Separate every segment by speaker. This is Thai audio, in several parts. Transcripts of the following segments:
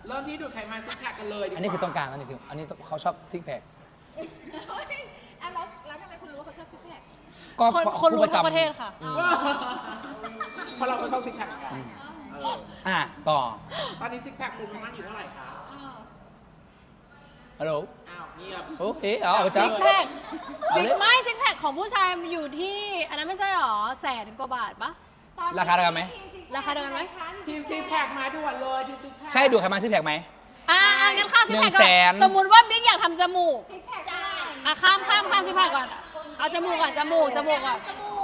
Speaker 1: เริ่มที่ดูดไขมันซิกแพคกันเลยดีกว่า
Speaker 2: อันนี้คือต้องการอันนี้คืออันนี้เขาชอบซิกแพค
Speaker 3: อ่ะแล้วทำไมคุณรู้ว่าเขาชอบซิกแพค
Speaker 2: ก็
Speaker 4: คนรู้
Speaker 2: ผู้
Speaker 4: ทั้งประเทศค่ะ
Speaker 1: เพราะเราก็ชอบซิกแพคเหมือนกัน
Speaker 2: ต่อ
Speaker 1: ตอนนี้ซิกแพคโปรโมชั่นอยู่เท่าไหร่คะ
Speaker 2: ฮัลโหล
Speaker 1: อ้าวเงียบ
Speaker 2: โอเคเอาจ้ะ
Speaker 4: ซิกแพคซิกแพคของผู้ชายมันอยู่ที่ อันนั้นไม่ใช่หรอ100,000 กว่าบาทปะ
Speaker 2: ราคาเท่ากันไหม
Speaker 4: ราคาเดียวกันไหม
Speaker 1: ทีมซิกแพคมาด่วนเลยทีมซิกแพค
Speaker 2: ใช่ดูดไขมันซิกแพคไหม
Speaker 4: งั้นข้ามซิกแพคก่อน
Speaker 2: 100,000
Speaker 4: สมมุติว่าบิ๊กอยากทำจมูก
Speaker 3: ซิกแพคได้
Speaker 4: ข้ามซิกแพคก่อน เอาจมูกก่อนจมูกก่อน
Speaker 3: จมูก
Speaker 4: อ่ะ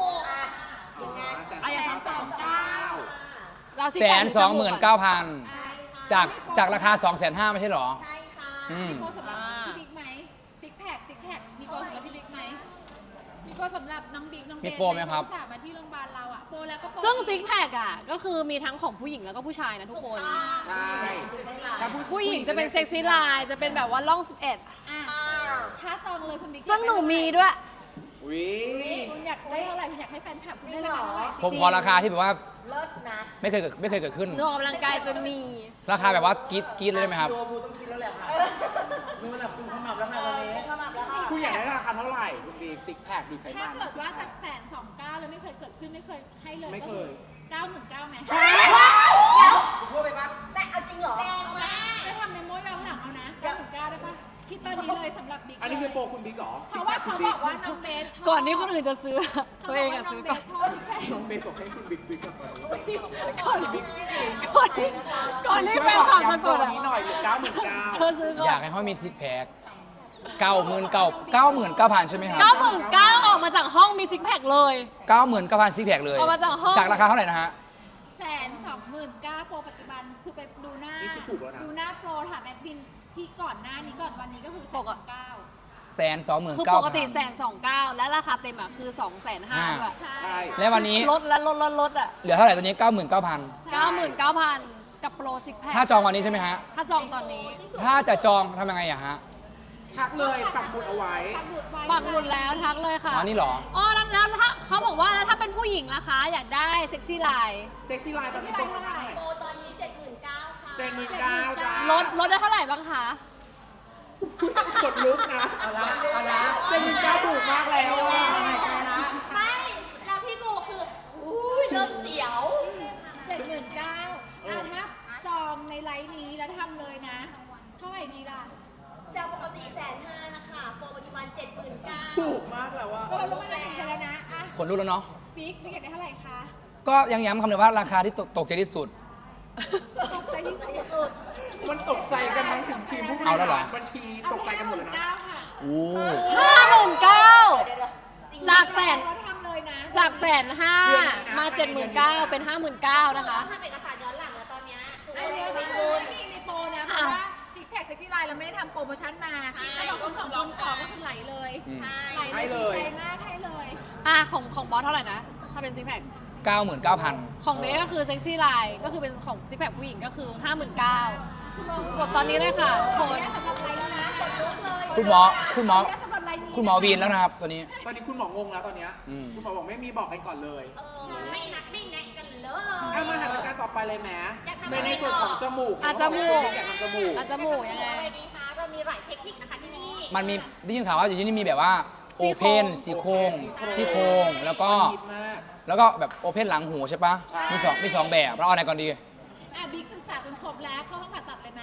Speaker 4: อย่างนั้น
Speaker 1: 129,000
Speaker 4: เราซิก
Speaker 2: แส
Speaker 4: แพคน
Speaker 2: 29,000จากราคา 250,000ไม่ใช่หรอ
Speaker 5: ใช่ค่ะ
Speaker 3: มีโปรสำหรับพี่บิ๊กไหมซิกแพคมีโปรสำหรับพี่บิ๊กไหมมีโปรสำหรับน้องบิ๊กน้องเบน
Speaker 2: มีโปรไหมครับ
Speaker 3: ที่มาที่โรงพยาบาลเราอ่ะโปรแล้วก็โปร
Speaker 4: ซึ่งซิกแพคอ่ะก็คือมีทั้งของผู้หญิงแล้วก็ผู้ชายนะทุกคน
Speaker 1: ใช่ถ้า
Speaker 4: ผู้หญิงจะเป็นเซ็กซี่ไลน์จะเป็นแบบว่าล่อง 11
Speaker 3: อ่ะถ้าจองเลยคุณบิ๊ก
Speaker 4: ซึ่งหนูมีด้วย
Speaker 1: วิ
Speaker 3: คุณอยากได้เท่าไหร่คุณอยากให้แฟนคลับคุณได้ราคาเท่าไหร่
Speaker 2: ผมขอราคาที่แบบว่า
Speaker 5: เลิศนะ
Speaker 2: ไม่เคยเกิดขึ้น
Speaker 4: หนูออกกำลังกายจนมี
Speaker 2: ราคาแบบว่ากรี๊ดเลยได้ไหมครับ
Speaker 6: โยบูต้องคิดแล้วแหละค่ะดูระดับจุ่มขมับแล้วค่ะตอนนี้
Speaker 5: ขมับแล้วค่ะ
Speaker 1: คุณอยากได้ราคาเท่าไหร่คุณบีซิกแพคดูดไข
Speaker 3: ถ้า
Speaker 1: มัน
Speaker 3: เกิดว่าจาก129,000แล้วไม่เคยเกิดขึ้นไม่เคยให้เลย
Speaker 1: ไม่เคย
Speaker 3: 99,000ไหม
Speaker 6: พูดไปปะ
Speaker 5: แต่เอาจริงเหรอ แรงมาก
Speaker 3: ไปทำเมมโมย้อนหลังเอานะ99,000ได้ปะคิดตอนนี้เลยสำหรับบิ๊ก
Speaker 1: อันนี้คือโปรคุณบิ๊กเหรอ
Speaker 3: เพราะว่าเขาบอกว่าน้องเบสชอบ
Speaker 4: ก่อนที่คนอื่นจะซื้อ ตัวเองอะซื้อก่อน
Speaker 3: เขาบว่าน้องเบสชอบซิกแพค
Speaker 1: น้องเบสบอกให้คุณบิ๊กซื้อกลับมา
Speaker 4: ก่อนที่แฟนคลับจะกด
Speaker 1: ย้ำโปร
Speaker 4: อะ
Speaker 1: นี้หน่อยหรือ99,000
Speaker 4: เธอซื้อก่อน
Speaker 2: อยากให้เขามีซิกแพค99,000ใช่ไหมครับ
Speaker 4: 99,000ออกมาจากห้องมีซิกแพคเลย
Speaker 2: 99,000ซิกแพคเลย
Speaker 4: เอามาจากห้อง
Speaker 2: จากราคาเท่าไหร่นะฮะ
Speaker 3: 129,000โปรปัจจุบันคือไปดูหน้า
Speaker 1: นี่คือถูกแล้วนะ
Speaker 3: ดูหน้าโปรถามแอดมินที่ก่อนหน้านี้ก่อนวันนี้ก็คือ
Speaker 4: ปกติ
Speaker 3: 129,000
Speaker 4: คือปกติ129,000และราคาเต็มอะคือ250,000ด้วย
Speaker 3: ใช่
Speaker 1: ใช่
Speaker 2: และวันนี้
Speaker 4: ลดและลดอะ
Speaker 2: เหลือเท่าไหร่ตอนนี้ 99,000
Speaker 4: 99,000 กับโปรซิกแพค
Speaker 2: ถ้าจองวันนี้ใช่ไหมฮะ
Speaker 4: ถ้าจองตอนนี้
Speaker 2: ถ้าจะจองทำยังไงอะฮะ
Speaker 1: ทักเลยปักหมุดเอาไว้
Speaker 4: ปักหมุดแล้วทักเลยค่ะ
Speaker 2: อ๋อนี่เหรอ
Speaker 4: อ๋อแล้วถ้าเขาบอกว่าแล้วถ้าเป็นผู้หญิงล่ะคะ อยากได้เซ็กซี่ไลน์
Speaker 1: เซ็กซี่ไลน์ตอนนี้โปรโมชั่นเท่าไหร่
Speaker 5: โปรตอนนี้ 79,000 ค่ะ
Speaker 1: 79,000จ้า
Speaker 4: ลดได้เท่าไหร่บ้างคะ
Speaker 1: กดลุกนะ
Speaker 6: เอาละ
Speaker 1: 79,000ถูกมากแล้วอ่ะ
Speaker 3: ไม่แล้วพี่บูคืออุ้ยเริ่มเสียว79,000ถ้าจองในไลน์นี้แล้วทำเลยนะ เท่าไหร่ดีล่ะ
Speaker 5: จากปกติ150,000นะคะ โปรปัจจุบัน 79,000
Speaker 1: ถูกมากแล้วอ่ะ
Speaker 3: คนรู้มาแล้วกันแล้วนะอ่ะ
Speaker 2: ขนลุกแล้วเนาะ
Speaker 3: บิ๊กอยากได้เท่าไหร่คะ
Speaker 2: ก็ยังย้ำคำเดิมว่าราคาที่ตกใจที่สุด
Speaker 3: ตกใจที่สุด
Speaker 1: มันตกใจกันทั้งถึงทีมผู้บริ
Speaker 2: เอาแล้วเหรอ
Speaker 1: หารบัญชีตกใจกันหมดเลยนะ
Speaker 3: 59,000ค่ะ
Speaker 2: โอ้
Speaker 4: 59,000
Speaker 5: เดี๋ยวจริง
Speaker 4: จากแสน
Speaker 3: เราทำเลยนะ
Speaker 4: จาก150,000มา79,000เป็น59,000นะคะ
Speaker 3: ทำเอกสารย้อนหลังแล้วตอนเนี้ยไอเดียมีโปรนะเพราะว่าซิกแพคเซ็กซี่ไลน์เราไม่ได้ทำโปรโมชั่นมาแล้วเราคนสองคนขอก็คือไหลเลย
Speaker 2: อืม
Speaker 3: ไหลเลยดีใจมากให้เลย
Speaker 4: ของบอสเท่าไหร่นะ ถ้าเป็นซิกแพค
Speaker 2: 99,000
Speaker 4: ของเบสก็คือเซ็กซี่ไลน์ก็คือเป็นของซิกแพคผู้หญิงก็คือ 59,000 กดตอนนี้เลยค่ะโค้ด
Speaker 3: สำหรับไลน์แล้วนะกดลุกเลย
Speaker 2: คุณหมอ
Speaker 3: สำหรับไลน์นี้
Speaker 2: คุณหมอวีนแล้วนะครับตัวนี้
Speaker 1: ตอนนี้คุณหมองงแล้วตอนเนี้ย
Speaker 2: อืม
Speaker 1: คุณหมอบอกไม่มีบอกกันก่อนเลย
Speaker 3: ไม่นัดไม่แนะกันเลย
Speaker 1: เอามาหันรายการต่อไปเลยแหม
Speaker 3: อยากทำ
Speaker 1: ในส่วนของจมูก
Speaker 4: จมูก
Speaker 1: อยากทำจมูก
Speaker 4: จมูกยังไง
Speaker 3: ดีคะเรามีหลายเทคนิคนะคะที่นี่
Speaker 2: มันมีได้ยินข่าวว่าอยู่ที่นี่มีแบบว่าโอ
Speaker 4: ซี่
Speaker 2: เพ
Speaker 4: โครง
Speaker 2: นซี่โครงซี่โครงแล้วก็
Speaker 1: มันฮิตมาก
Speaker 2: แล้วก็แบบโอเพนหลังหูใช่ปะ
Speaker 1: ใช่
Speaker 2: มีสองแบบเราเอาไหนก่อนดี
Speaker 3: บิ๊กศึกษาจนครบแล้วเข้าห้องผ่าตัดเลยไหม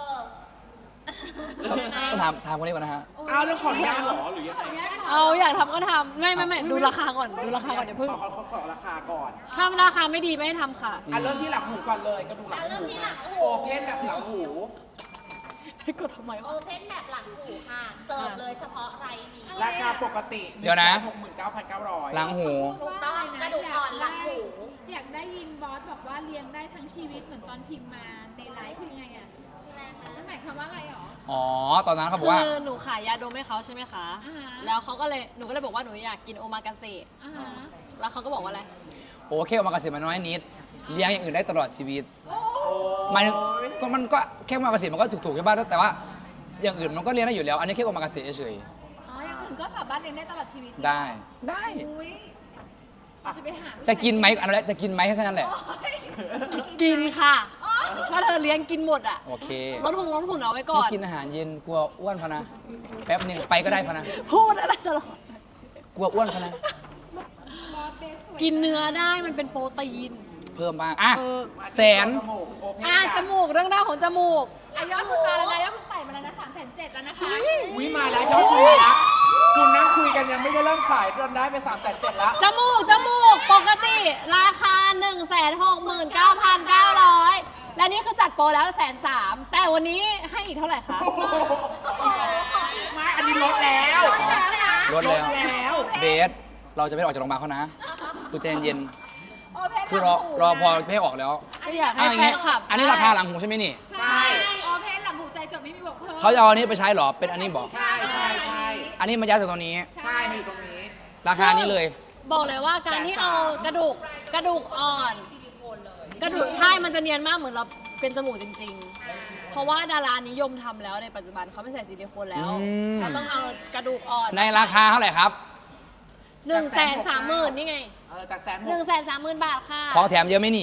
Speaker 2: ต้องถามคนนี้ก่อนนะฮะ
Speaker 1: อ้าวแล้วขออนุญาตเหรอหรือยังไง
Speaker 4: เอาอยากทำก็ทำไม่ดูราคาก่อนดูราคาก่อนเดี๋ยวเพิ่ง
Speaker 1: ขอราคาก่อน
Speaker 4: ถ้าราคาไม่ดีไม่ให้ทำค่ะ
Speaker 1: อ่ะเริ่มที่หลังหูก่อนเลยกระดูกหลังหูนะโอเพนแบบหลังหู
Speaker 4: ให้กดทำไม
Speaker 3: โอ
Speaker 4: วะ
Speaker 3: เพนแบบหลังหูค่ะ เสิร์ฟเลยเฉพาะไรนี้
Speaker 1: ราคาปกติ
Speaker 2: เดี๋ยวนะ
Speaker 1: 69,900
Speaker 2: หลังหู
Speaker 3: ถูกต้องกระดูกอ่อนหลังหู
Speaker 7: อยากได้ยินบอสบอกว่าเลี้ยงได้ทั้งชีวิตเหมือนตอนพิมพ์มาในไลฟ์คือไงอ่ะนั่นหมายความว่าอะไรหรอ
Speaker 2: อ๋อ ตอนนั้นเขาบอ
Speaker 4: คื
Speaker 2: กว่า
Speaker 4: อหนูขายยาดมให้เขาใช่ไหมคะ
Speaker 7: อ่าฮะ
Speaker 4: แล้วเขาก็เลยหนูก็เลยบอกว่าหนูอยากกินโอมากาเสะ
Speaker 7: อ่าฮะ
Speaker 4: แล้วเขาก็บอกว่าอะไร
Speaker 2: โอเคออกมากระสิมันน้อยนิด เลี้ยงอย่างอื่นได้ตลอดชีวิตหมายถึงมันก็แค่ออกมากระสิมันก็ถูกๆใช่ป่ะแต่ว่าอย่างอื่นมันก็เลี้ยงได้อยู่แล้ว อันนี้แค่ออกมากระสิเฉย
Speaker 7: อ๋ออย่างอื่นก็สามารถเลี้ยงได้ตลอดชีวิต
Speaker 2: ๆได้ ได้
Speaker 7: อุ้ยเราจะไปหา
Speaker 2: จะกินไหมอันนั้นแหละจะกินไหมแค่นั้นแหละ
Speaker 7: โอ๊ย
Speaker 4: กินค่ะ
Speaker 7: โอ๊ย
Speaker 4: ถ้าเธอเลี้ยงกินหมดอ่ะ
Speaker 2: โอเค
Speaker 4: ลดหุ่นเอาไว้ก่
Speaker 2: ไม่
Speaker 4: อน
Speaker 2: กินอาหารเย็นกลัวอ้วนพะนะแป๊บหนึ่งไปก็ได้พะนะ
Speaker 4: พูดอะไรตลอด
Speaker 2: กลัวอ้วนพะนะ
Speaker 4: กินเนื้อได้มันเป็นโปรตีน
Speaker 2: เพิ่มบ้างอ่ะ
Speaker 4: เออ
Speaker 2: แสน
Speaker 1: จมูกโอเพน
Speaker 4: จมูกเรื่องราวของจมูก
Speaker 3: อายอดคุณมาแล้วนะยอดคุณไต่มาแล้วนะ3,700แล้วนะคะ
Speaker 1: อุ้ยมาแล้วยอดคุยแล้วคุณนั่งคุยกันยังไม่ได้เริ่มขายจนได้ไป3,700แล้ว
Speaker 4: จมูกปกติราคา 169,900 และนี่คือจัดโปรแล้ว130,000แต่วันนี้ให้อีกเท่าไหร่คะ
Speaker 1: ไม่ อันนี้ลดแล้ว
Speaker 2: ลดแล้ว
Speaker 1: แล้ว
Speaker 2: เบสเราจะไม่ออกจากโรงพยาบาลเขานะคือใจเย็น
Speaker 3: โอเพน
Speaker 2: คือรอพอไม่ให้ออกแล้ว
Speaker 4: ไม่อยากให้
Speaker 2: อ่ะอย่าง
Speaker 4: แฟ
Speaker 2: งี้
Speaker 4: นคลับ
Speaker 2: อันนี้ราคาหลังหูใช่ไหมนี่
Speaker 1: ใช่
Speaker 3: โอเพนหลังหูใจจบไม่มีบวกเพิ่ม
Speaker 2: เขาจะเอาอันนี้ไปใช้เหรอเป็นอันนี้บอก
Speaker 1: ใช่ใช่ใช่
Speaker 2: อันนี้มายัดจากตัวนี้
Speaker 1: ใช่มาอยู่ตรงนี้
Speaker 2: ราคานี้เลย
Speaker 4: บอกเลยว่าการที่เอากระดูกอ่อน กระดูกใช่มันจะเนียนมากเหมือนเราเป็นจมูกจริงๆ เพราะว่าดารานิยมทำแล้วในปัจจุบันเขาไม่ใส่ซิลิโคนแล้ว
Speaker 2: อืม
Speaker 4: เขาต้องเอากระดูกอ่อน
Speaker 2: ในราคาเท่าไหร่ครับ
Speaker 4: 130,000นี่ไง
Speaker 1: จาก160,000
Speaker 4: 130,000 บาทค่ะ
Speaker 2: ของแถมเยอะไหมนี่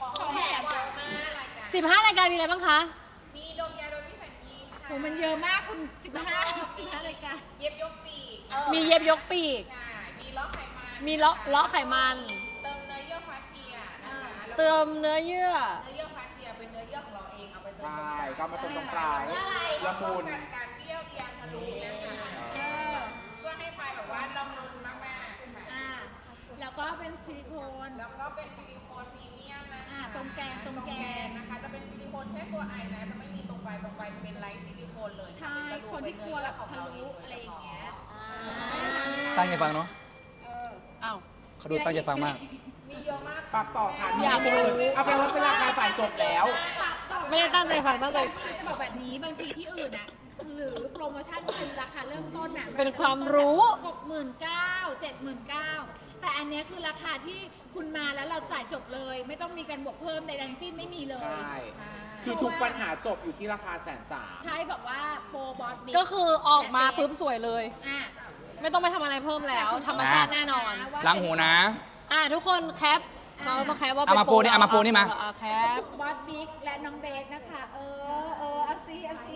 Speaker 4: 15 รายการมีอะไรบ้างคะ
Speaker 5: มีดมยาโดยพิเศษยีค่ะ
Speaker 3: โหมันเยอะมากคุณ15รายการ
Speaker 5: เย็บยกปีก
Speaker 4: มีเย็บยกปีก
Speaker 5: ใช่มีล้อไขมัน
Speaker 4: มีเลาะไขมัน
Speaker 5: เติมเนื้อเยื่อฟาเชียนะคะแล้ว
Speaker 4: เติมเนื้อเยื่อ
Speaker 5: เนื้อเยื่อฟาเชียเป็นเนื้อเยื่อของเราเองเอาไปเติม
Speaker 1: ใช่ก็มาตรงปลาย
Speaker 5: ละ
Speaker 1: ละ
Speaker 5: มุ
Speaker 1: มุ
Speaker 5: น
Speaker 1: น
Speaker 5: กันการเบี้ยวเอียงทะลุนะคะช่วยให้ปลายแบบว่าละมุนมากๆค่ะ
Speaker 3: แล้วก็เป็นซิลิโคน
Speaker 5: แล้วก็เป็นซิลิโคนพรีเมียมนะคะ
Speaker 3: ตรงแกน
Speaker 5: นะคะจะเป็นซิลิโคนแค่ตัวไอนะจะไม่มีตรงปลายจะเป็นไลท์ซิลิโคนเลย
Speaker 3: ใช่คนที่กลัวแบบทะลุอะไรอย่างเงี้ย
Speaker 2: ตั้งใจฟังเนาะ
Speaker 4: อ้าว
Speaker 2: เขาดูตั้งใจฟังมาก
Speaker 5: มีเยอะมาก
Speaker 1: ปรับต่อค่ะ
Speaker 4: อยากรู้
Speaker 1: เอาไปลดเป็นราคาจ่ายจบแล้ว
Speaker 4: ไม่ได้ตั้งใจฟังตั้งใจ
Speaker 3: จะบอกแบบนี้บางทีที่อื่นอ่ะหรือโปรโมชั่นเป็นราคาเริ่มต้นอ่ะ
Speaker 4: เป็นความรู้
Speaker 3: 69,000 79,000แต่อันเนี้ยคือราคาที่คุณมาแล้วเราจ่ายจบเลย ไม่ต้องมีการบวกเพิ่มใดๆทั้งสิ้นไม่มีเลย
Speaker 1: ใช่ คือทุกปัญหาจบอยู่ที่ราคา130,000
Speaker 3: ใช่บอกว่าโปรบอสบิ๊
Speaker 4: ก็คือออกมาปุ๊บสวยเลย
Speaker 3: อ่ะ
Speaker 4: ไม่ต้องไปทำอะไรเพิ่มแล้ว ธรรมชาติแน่นอน
Speaker 2: ล้างหูนะ
Speaker 4: ทุกคนแคปเขาต้องแคปว่า
Speaker 2: เอามาปูนี่เอามาปูนี่มา
Speaker 4: แคป
Speaker 3: บอสบิ๊กและน้องเบสนะคะ เอาซิเอาซิ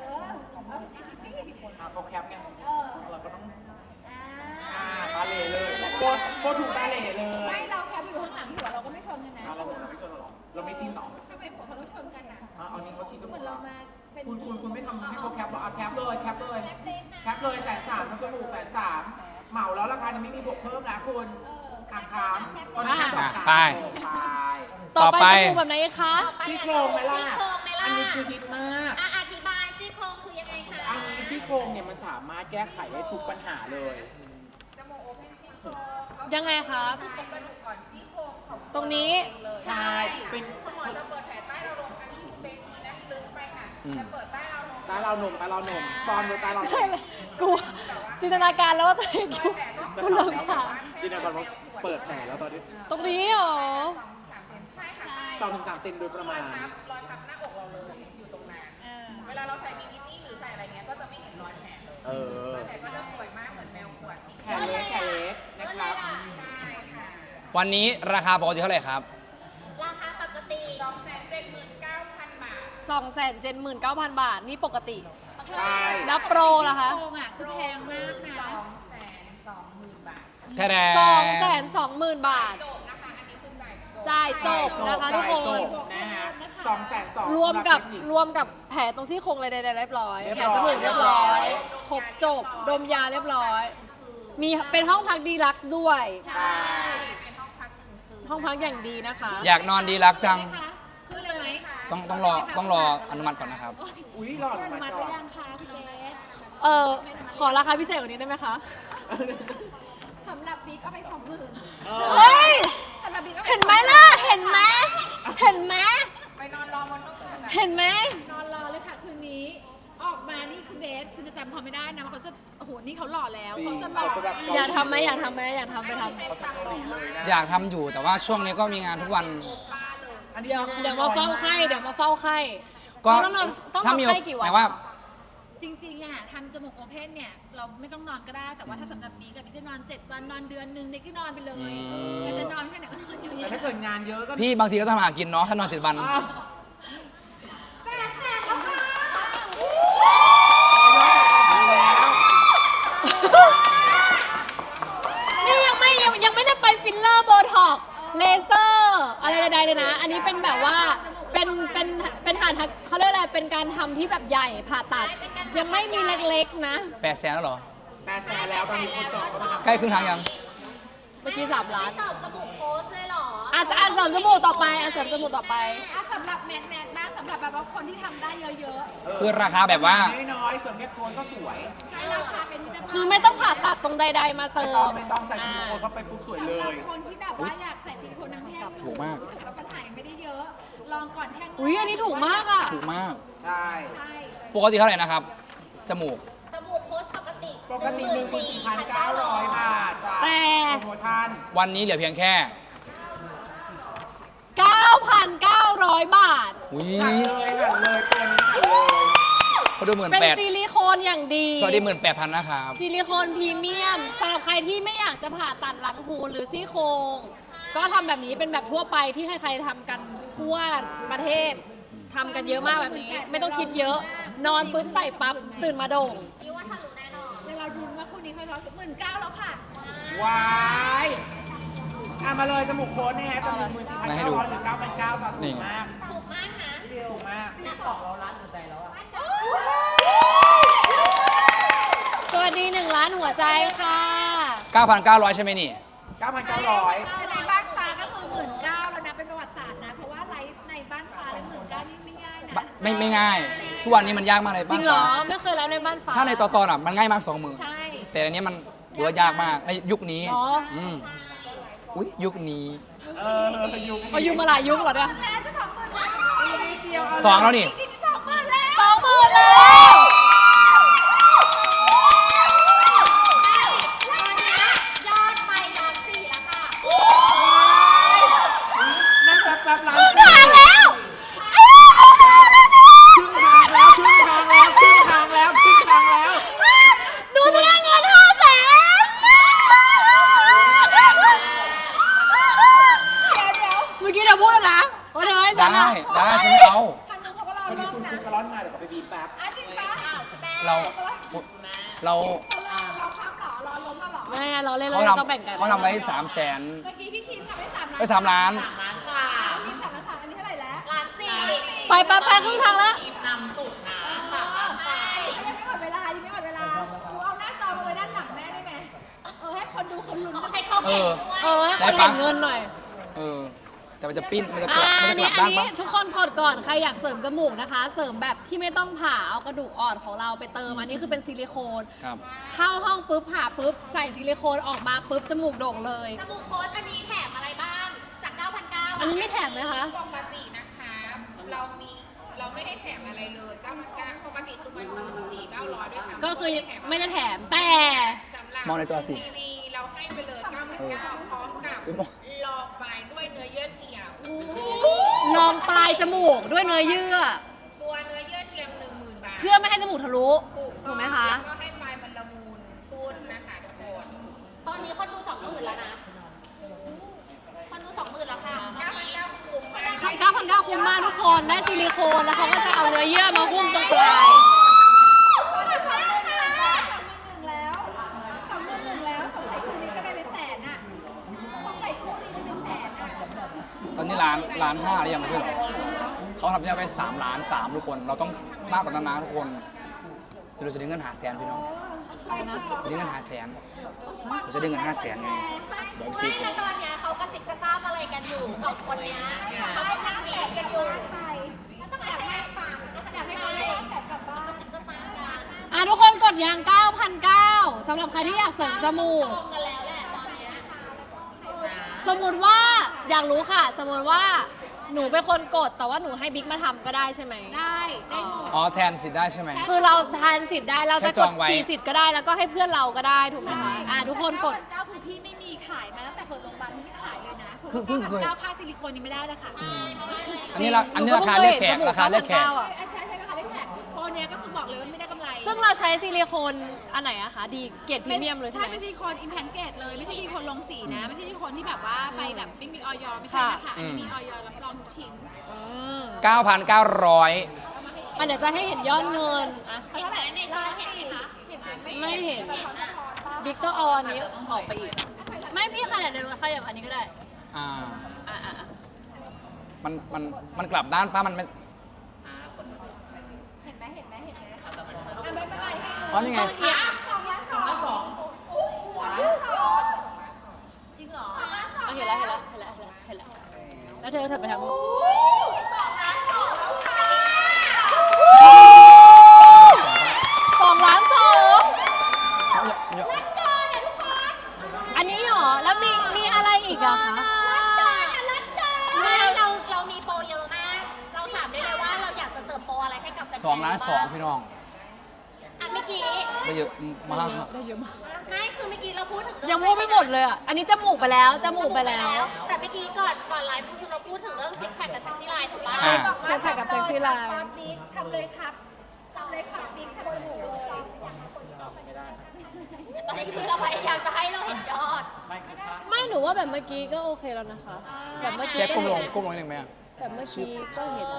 Speaker 1: เขาแคปไง เราก็ต้อง
Speaker 3: อ่า
Speaker 1: ตาเหล่เลยโบถูกตาเหล่เลย
Speaker 3: ไม่เราแคปอยู่ข้างหลังหัวเราก็ไม่ชนกันนะ
Speaker 1: เราไม่ชนหรอ เราไม่จิ้มหรอ
Speaker 3: ทำไมหัวเขาต้องชนกันอ่ะ
Speaker 1: เอานี้เขาชี้จ
Speaker 3: เห
Speaker 1: มู
Speaker 3: มือก นเรามาเป็น
Speaker 1: คุณไม่ทำให้เขาแคปหรอแคปเลยแคปเลย130,000ทำจมูก130,000เหมาแล้วราคานี้ไม่มีบวกเพิ่มนะคุณหักคามตอนนี้จบ
Speaker 2: ไป
Speaker 4: ต่อไป
Speaker 2: ต่อไป
Speaker 4: จมูกแบบไหนคะ
Speaker 1: ซี่โครงไหมล่ะ
Speaker 5: ซี่โครงไหมล่ะ
Speaker 1: อันนี้คือฮิตมาก
Speaker 5: อธิบายซี่โครงคือยังไงคะ
Speaker 1: อันนี้ซี่โครงเนี่ยมันสามารถแก้ไขได้ทุกปัญหาเลย
Speaker 5: จมูกโอเพนซี่โครง
Speaker 4: ยังไงครับ
Speaker 5: ใช้กระดูกอ่อนซี่โครงของ
Speaker 4: ตรงนี้
Speaker 1: ใช่ เป็น
Speaker 5: คุณหมอจะเปิดแผลใต้เราลงอันที่คุณเบสชี้นั้นลึกไปค่ะ จะเปิดใต้เราลง
Speaker 1: ตาเราหนุ่มซ่อนไว้ตาเราหนุ่
Speaker 4: ใช่
Speaker 1: ม
Speaker 4: เลยกูจินตนาการแล้วว่าตัวเองอยู่
Speaker 1: จะ
Speaker 4: กู
Speaker 1: ทำ
Speaker 4: เลิก
Speaker 1: แล้ว
Speaker 4: ถาม
Speaker 1: จินตนาการว่าเปิดแผลแล้วตอนนี้
Speaker 4: ตรงนี้เหรอ
Speaker 5: ใช่ค่ะ
Speaker 1: 2-3 เซนโดยประมาณ
Speaker 5: รอยพับหน้าอกเราเลยอยู่ตรงนั้นเวลาเราใส่บิกินี่หรือใส่อะไรเงี้ยก็จะไม่เห็นรอยแผลเลย
Speaker 1: เออ
Speaker 5: รอยแผลก็จะสวยมากเหมือนแมวขวด
Speaker 1: แผลเล็กนะครับ
Speaker 5: ใช่ค่ะ
Speaker 2: วันนี้ราคาปกติเท่าไหร่ครับ
Speaker 5: ราคาปกติ 279,000 บาท
Speaker 4: 279,000 บาท นี่ปกติ
Speaker 1: ใช่
Speaker 4: แล้วโปรล่ะคะ
Speaker 3: โครงอ่ะคือแพงมากนะ
Speaker 5: 220,000 บาท
Speaker 2: แท้แด
Speaker 4: 220,000 บาท
Speaker 5: จบนะคะ อันนี้คือจ่ายจบ
Speaker 4: จ่ายจบนะคะทุกคน
Speaker 1: จบนะฮะ220,000
Speaker 4: รวมกับแผลตรงซี่โครงอะไรใดๆเรียบร้อย
Speaker 1: เรียบ
Speaker 4: แผล
Speaker 1: ร้อย
Speaker 4: จมูกเรียบร้อย ครบจบ ดมยาเรียบร้อย มีเป็นห้องพักดีลักซ์ด้วย
Speaker 1: ใช่
Speaker 5: เป็นห้องพักหนึ่งคืน
Speaker 4: ห้องพักอย่างดีนะคะ
Speaker 2: อยากนอนดีรักจัง
Speaker 3: คือเลยไหม
Speaker 2: ต้องรออนุมัติก่อนนะครับ
Speaker 1: อุ้ยหลอด
Speaker 3: อนุ
Speaker 1: มา
Speaker 3: มัติ
Speaker 1: ก่
Speaker 3: ห
Speaker 1: อ
Speaker 3: รื
Speaker 1: น
Speaker 3: อยังคะคุณเบส
Speaker 4: ขอราคาพิเศษกว่านี้ได้ไหมคะ
Speaker 3: สำหรับบิ๊กเอาไป20,000
Speaker 4: เฮ้ย
Speaker 3: สำหรับบิ๊กเอาป
Speaker 4: เห็นไหมล่ะ เห็นไหม เห็นไหม
Speaker 5: ไปนอนรอบนห้องคืนอะ
Speaker 4: เห็นไหม
Speaker 3: นอนรอเลยค่ะคืนนี้ ออกมานี่คุณเบสคุณจะจำเขาไม่ได้นะเขาจะโอ้โหนี่เขาหล่อแล้วเขาจะหล่อ
Speaker 4: อยากทำไหมอยากทำไหมอยากทำไปทำ
Speaker 2: อยากทำอยู่แต่ว่าช่วงนี้ก็มีงานทุกวัน
Speaker 4: เดี๋ยวมาเฝ้าไข้
Speaker 2: ก็
Speaker 4: ต้องนอน
Speaker 2: ถ้ามี
Speaker 4: ไข้กี่วัน
Speaker 2: หมายว่า
Speaker 3: จริงๆอะทำจมูกโอเพนเนี่ย เราไม่ต้องนอนก็ได้ แต่ว่าถ้าสำหรับบิ๊กกับบิ๊กจะนอน 7 วันนอนเดือนหนึ่งเด็กก็นอนไปเลยไม่จะนอนแค่ไหนก็นอนอยู่
Speaker 1: แต่ถ้าเกิดงานเยอะก็
Speaker 2: พี่บางทีก็ต้องหากินเนาะถ้านอน7 วัน
Speaker 1: อ้าว
Speaker 4: นี่ยังไม่ได้ไปฟิลเลอร์โบท็อกเลเซอร์อะไรใดๆเลยนะ อันนี้เป็นแบบว่าเป็นฐานเขาเรียกอะไรเป็นการทำที่แบบใหญ่ผ่าตัด ยังไม่มีเล็กๆนะ
Speaker 2: 800,000แล้วเหรอ
Speaker 1: 800,000แล้วตอนนี้คนจองก็มาทำ
Speaker 2: ใกล้ครึ่งทางยัง
Speaker 4: เมื่อกี้3 ล้าน
Speaker 3: ตอบจมูกโพสเลยเหรอ
Speaker 4: เสริมจมูกต่อไปเสริมจมูกต่อไป
Speaker 7: สำหรับแมทบ้างสำหรับแบบว่าคนที่ทำได้เยอะ
Speaker 2: คือราคาแบบว่า
Speaker 1: น้อยๆส่วนแค่โคนก็สวย
Speaker 7: ๆให้ราคาเป็นมิตรภาพ
Speaker 4: คือไม่ต้องผ่าตัดตรงใดๆมาเติ
Speaker 1: ไม่
Speaker 4: ม
Speaker 1: ต้องใส่ซิลิโคนเข้าไปปุ๊บสวยเล
Speaker 7: สำหรับ
Speaker 1: ย
Speaker 7: คนที่แบบว่าอยากใส่ซิลิโคนทั้งแท่ง
Speaker 2: ถูกมาก
Speaker 7: รู้สึว่าปัญหายังไม่ได้เยอะ ลองก่อนแท่ง
Speaker 4: อุ้ยอันนี้ถูกมากอ่ะ
Speaker 2: ถูกมาก
Speaker 1: ใช่
Speaker 7: ใช่
Speaker 2: ปกติเท่าไหร่นะครับ จมูก
Speaker 3: จมูกโพสปกติ
Speaker 1: ปกติ 14,900 บาทจ้ะ
Speaker 4: แต่
Speaker 1: โปรโมชั่น
Speaker 2: วันนี้เหลือเพียงแค่
Speaker 4: 9,900 บาท
Speaker 2: อุ้ย
Speaker 1: หันเลยตัวนี้หันเลย
Speaker 2: เขาดู
Speaker 4: เป็น
Speaker 2: 18,000
Speaker 4: ซิลิโคนอย่างดี
Speaker 2: สวัสดี18,000นะครับ
Speaker 4: ซิลิโคนพรีเมียมสำหรับใครที่ไม่อยากจะผ่าตัดหลังหูหรือซี่โครงก็ทำแบบนี้เป็นแบบทั่วไปที่ใครๆทำกันทั่วประเทศทำกันเยอะมากแบบนี้ ไม่ต้องคิดเยอะ นอนปุ๊บใส่ปั๊บตื่นมาโด่ง
Speaker 3: นี่ว่าทะลุแน่นอน
Speaker 7: เดี๋ยวเราดูว่าคู่นี้เขาร้อง19,000แล้วค่ะ
Speaker 1: ว้ายมาเลยจมูกโคนเนี่ยจะ14,900หรือ9,900จ้ะถูกมาก
Speaker 3: ถูกมากนะ
Speaker 1: ถูกมาก
Speaker 4: สวัสดี1 ล้านหัวใจค่ะ
Speaker 2: 9,900 ใช่ไหมนี่
Speaker 1: 9,900
Speaker 7: ในบ้านฟ้าก็คือ19,000แล้วนะเป็นประวัติศาสตร์นะ เพราะว่าไลฟ์ในบ้านฟ้าแล้ว19,000นี่ไม่ง่ายนะ
Speaker 2: ไม่ง่าย ทุกวันนี้มันยากมากเลย
Speaker 4: จริงเหรอ
Speaker 2: บ้าน
Speaker 4: ไม่เคยแล้วในบ้านฟ้า
Speaker 2: ฟ้าถ้าในตอนอ่ะมันง่ายมาก2 มือ
Speaker 7: ใช่
Speaker 2: แต่อันนี้มันถือว่ายากมากในยุคนี้
Speaker 4: อ๋อ
Speaker 2: มอุ้ยยุคนี้
Speaker 1: ยุค
Speaker 4: พออยู่มาหลายยุคเหรอเนี่ย
Speaker 7: แล้วจะ20,000แล้ว
Speaker 2: 2 แล้วนี่
Speaker 7: นี่20,000แล้ว
Speaker 4: 20,000แล้ว
Speaker 3: ยอดไปล้านสี่แล้วค่ะ
Speaker 1: นั่นแป๊บๆร้าน
Speaker 4: ทางแล้ว
Speaker 1: ครึ่งทางแล้ว
Speaker 4: หนูจะได้เงิน500,000 เมื่อกี้เธอพูดแล้วนะว่าเธอให้ฉัน
Speaker 2: ได้
Speaker 4: อะ
Speaker 2: ฉันไม่เอา
Speaker 7: ทางนู้นเขาก็รอ
Speaker 1: ตอน
Speaker 7: ร
Speaker 1: นี้
Speaker 7: อบ
Speaker 1: คุณ
Speaker 7: นะ
Speaker 1: กระร้อนมาเดี๋ยวเขาไปบีบแป๊บ
Speaker 7: จริงปะ
Speaker 2: เรา
Speaker 7: เราค้ำเหรอรอล้มมาเหรอ
Speaker 4: ไม่เราเล่น
Speaker 2: เขา
Speaker 4: เราต้องแบ่งกัน
Speaker 2: ทำไว้300,000
Speaker 7: เมื่อกี้พี่คิมทำได้3 ล้าน
Speaker 2: ไป3 ล้าน
Speaker 7: พี่ทำแล้วค่ะอันนี้เท่าไหร่แล้ว
Speaker 3: ล้านสี่
Speaker 4: ไปครึ่งทางแล้ว
Speaker 7: ยังไม่หมดเวลายังไม่หมดเวลากูเอาหน้าจอมาไว้ด้านหลังแม่ได้ไหมให้คนดูคนลุ้น
Speaker 3: ให้เขา
Speaker 2: เอ
Speaker 3: เห็น
Speaker 2: อ
Speaker 3: ด้วย
Speaker 4: ให้เขาเห็นเงินหน่อย
Speaker 2: เออ แต่มันจะปิ้น มันจะกลับ
Speaker 4: อั
Speaker 2: มัน
Speaker 4: น
Speaker 2: จะก
Speaker 4: นี้
Speaker 2: ลับด้านปะ
Speaker 4: ทุกคนกดก่อน ใครอยากเสริมจมูกนะคะ เสริมแบบที่ไม่ต้องผ่าเอากระดูกอ่อนของเราไปเติม อันนี้คือเป็นซิลิโคน
Speaker 2: ครับ
Speaker 4: เข้าห้องปุ๊บผ่าปุ๊บใส่ซิลิโคนออกมาปุ๊บจมูกโด่งเลย
Speaker 3: จมูกโพสอันนี้แถมอะไรบ้าง จาก 9,900
Speaker 4: อันนี้ไม่แถมนะคะ
Speaker 5: ปกตินะคะเราไม่ได้แถมอะไรเลย9,900ปกติคือมัน4,900ด้วยซ้ำ
Speaker 4: ก็คือไม่ได้แถมแต่
Speaker 5: สำหรับ
Speaker 2: มองในจอสิ
Speaker 5: ทีวีเราให้ไปเลย9,900พร้อมกับ
Speaker 2: จะบอก
Speaker 5: ลองไปด้วยเนื้อเยื่อเทียม
Speaker 4: ลองปลายจมูกด้วยเนื้อเยื่อ
Speaker 5: ตัวเนื้อเยื่อเทียม 10,000 บาท
Speaker 4: เพื่อไม่ให้จมูกทะลุ ถูกไหมคะ
Speaker 5: แล้วก็ให้ปลายมันละมุนตุ้นนะคะทุกคน
Speaker 3: ตอนนี้คนดู 20,000 แล้วนะ คนดู 20,000 แล้วค่ะ
Speaker 5: 9,900คุ้มมาก
Speaker 4: 9,900คุ้มมากทุกคน ได้ซิลิโคนแล้วเขาก็จะเอาเนื้อเยื่อมาหุ้มตรงปลาย
Speaker 7: 31,000แล้ว31,000แล้วสงสัยคู่นี้จะไปเป็นแสนอ่ะสงสัยคู่นี้จะเป็นแสนอ่ะ
Speaker 2: ตอนนี้ล้าน5หรือยังไม่ใช่เหรอเขาทำยอดไป3 ล้าน 3ทุกคน เราต้องมากกว่านั้นนะทุกคนเดี๋ยวเราจะได้เงิน500,000พี่น้องจะได้เงิน500,000เราจะได้เงิน500,000ไงเดี๋ยวไปซื้อ
Speaker 3: ไม่แล้วตอนเนี้ยเขากระซิบกระซาบอะไรกันอยู่สองคนเนี้ยเขากำลังแอบกันอยู่
Speaker 7: ไปต้องอยากให้ปังอยากให้เขาได้แสนกลับบ้าน
Speaker 3: กระซิบกระซาบกัน
Speaker 4: ทุกคนกดยาง 9,900สำหรับใครที่อยากเสริมจมูก
Speaker 3: ตรงกันแล้วแหละตอนเนี้ย
Speaker 4: สมมุติว่าอยากรู้ค่ะ สมมุติว่าหนูเป็นคนกดแต่ว่าหนูให้บิ๊กมาทำก็ได้ใช่ไหม
Speaker 7: ได้ได้หมด
Speaker 2: อ๋อแทนสิทธิ์ได้ใช่ไหม
Speaker 4: คือเราทานสิทธิ์ได้เราจะ
Speaker 2: แค่จ
Speaker 4: ก
Speaker 2: อ
Speaker 4: ด
Speaker 2: งไว้
Speaker 4: กี่สิทธิ์ก็ได้แล้วก็ให้เพื่อนเราก็ได้ถูกไหมคะทุกคนกด
Speaker 7: 9,900คือที่ไม่มีขายมาตั้งแต่เปิดโรงพยาบาลที่ไม่ขายเลยนะ
Speaker 2: คือเพิ่งเคย
Speaker 7: 9,900ค่าซิลิโคนยังไม่ได้เลยค่ะ
Speaker 2: อันนี้ราคาเรียกแขกราคาเรียกแขก
Speaker 7: ใช่ไหมคะเล่นแขกโปรเนี้ยก็คือบอกเลยว่าไม่ได้กำไร
Speaker 4: ซึ่งเราใช้ซิลิโคนอันไหนอะคะ ดีเกรดพรีเมียมเลยใช่ไหม
Speaker 7: เป็นซิลิโคนอิมแพนเกตเลยไม่ใช่ซิลิโคนลงสีนะ ไม่ใช่ซิลิโคนที่แบบว่าไปแบบไม่มีออยไม่ใช่นะคะอันนี้มีออยรับรองทุกชิ้น
Speaker 2: 9,900
Speaker 4: เดี๋ยวจะให้เห็นยอดเงินอะ
Speaker 3: เห็นไหมในจอเห็นไหมคะ
Speaker 7: เห็นไหม
Speaker 4: ไม่เห็น
Speaker 7: แต่เขาจะพอไป
Speaker 4: บิ๊กต้องเอาอันนี้ออกไปอีก ไม่พี่ขนาดเดินขยับอันนี้ก็ได้
Speaker 2: อ่า
Speaker 4: อ่ะ
Speaker 2: มันกลับด้านป้ามันไม่
Speaker 3: เห็นไหมเห็นไหมเห็นไหม
Speaker 7: ไม่เป็นไรให้
Speaker 2: อ๋อนี่ไง
Speaker 4: ต้องเอียง
Speaker 3: จริงเหรอ
Speaker 4: เอาเห็นแล้วแล้วเธอไปทางนู้น2 ล้าน อันนี้เหรอ แล้วมีอะไรอีกอะคะ
Speaker 3: ไม่เรามีโปรเยอะมาก เราถามได้เลยว่าเราอยากจะเสิร์ฟโปรอะไรให้กับแฟนๆ
Speaker 2: 2 ล้าน 2พี่น้อง
Speaker 3: อันเมื่อกี้
Speaker 2: ได้เยอะมาก
Speaker 3: ไม่คือเมื่อกี้เราพูดถึง
Speaker 4: ยังพูดไม่หมดเลยอะอันนี้จมูกไปแล้ว แต่เ
Speaker 3: มื่อกี้ก่อนไลฟ์คือเราพูดถึงเรื่องซิกแพคกับเซ็กซี่ไลน์ถูกป่ะ
Speaker 2: อ่า
Speaker 4: เซ็กแพคกับเซ็กซี่ไลน์
Speaker 7: บิ๊กทำเลยครับทำเลยครับบิ๊กทำเลย
Speaker 3: ตอนนี้คือเราพยายามจะให้เราเห็นยอด
Speaker 4: ไม่หนูว่าแบบเมื่อกี้ก็โอเคแล้วนะคะ แบบเมื่อกี้
Speaker 2: เจ๊ก้มลง
Speaker 4: เห็น
Speaker 2: ก้มลงนิดนึงไหมอะ
Speaker 4: แบบเมื่อกี้ก็เห็น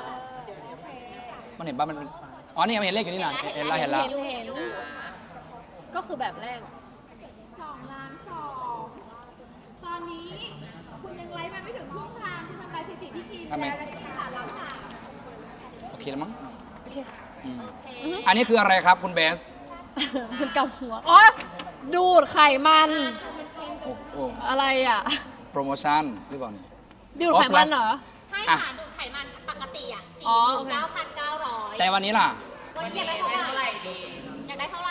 Speaker 2: มันเห็นป่ะมันอ๋อนี่มันเห็นเลขอยู่นี่นะเห็นแล้ว
Speaker 4: เห็น ก็คือแบบแรก
Speaker 7: 2 ล้าน 2 ตอนนี้คุณยังไลฟ์มาไม่ถึงครึ่งทางคุณทำลายสถิติพี่ทีมแล้วและที่ขาดล้านสาม
Speaker 2: โอเคแล้วมั้ง
Speaker 4: โอเค
Speaker 2: อืมอันนี้คืออะไรครับคุณเบส
Speaker 4: มันกำหัว อ๋อ ดูดไขมัน
Speaker 2: โอ้
Speaker 4: อะไรอ่ะ
Speaker 2: โปรโมชั่นหรือเปล่านี่
Speaker 4: ดูดไขมันเหรอ
Speaker 3: ใช่
Speaker 2: อ่ะ
Speaker 3: ค่ะดูดไขมันปกติอ่ะ
Speaker 4: อ๋อโอเค
Speaker 3: 49,900
Speaker 2: แต่วันนี้ล่ะ
Speaker 3: วันนี้อยากได้เท่าไหร่อยากได้เท่าไหร่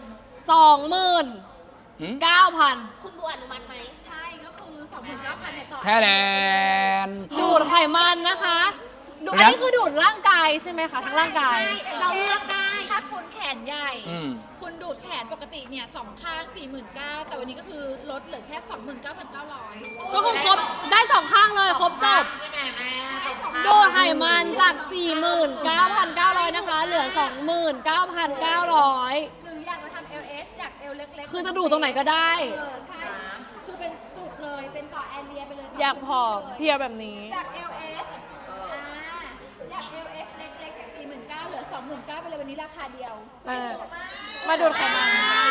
Speaker 2: หืม
Speaker 4: 29,000
Speaker 3: คุณบัวอนุมัติไหม
Speaker 7: ใช่ก็คือ 29,000เนี่ยต่อ
Speaker 2: แท้แลน
Speaker 4: ดูดไขมันนะคะดูอันนี้คือดูดร่างกายใช่ไหมคะ ทั้งร่างกาย
Speaker 3: เราเลือกได้
Speaker 7: ถ้าคุณแขนใหญ่
Speaker 2: อืม
Speaker 7: คุณดูดแขนปกติเนี่ย2 ข้าง 49,000แต่วันนี้ก็คือลดเหลือแค่ 29,900
Speaker 4: ก็คือครบได้2 ข้างเลย ครบจบดูดไขมันจาก 49,900 นะคะ เหลือ 29,900
Speaker 7: หรืออยากมาทำ LS อยาก L เล็กๆ
Speaker 4: คือจะดูดตรงไหนก็ได้
Speaker 7: ใช่ คือเป็นจุดเลย เป็นต่อแอเรียไปเลย
Speaker 4: อยากผอมเพรียวแบบนี้
Speaker 7: จาก LS อยาก LS เล็กๆจาก 49,000เหลือ 29,000ไปเลยวันนี้ราคาเดียว
Speaker 4: มาดูดไขมัน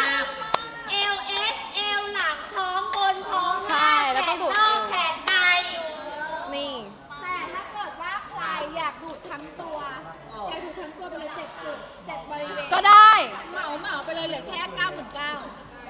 Speaker 3: LS L หลังท้องบนท้อง
Speaker 4: ใช่แล้วต้องดูด
Speaker 3: นอกแขนใน
Speaker 4: นี่
Speaker 7: แต่ถ้าเกิดว่าใครอยากดูดทั้งตัวอยากดูดทั้งตัวไปเลย7 จุด 7 บริเวณ
Speaker 4: ก็ได้
Speaker 7: เหมาไปเลยเหลือแค่ 99,000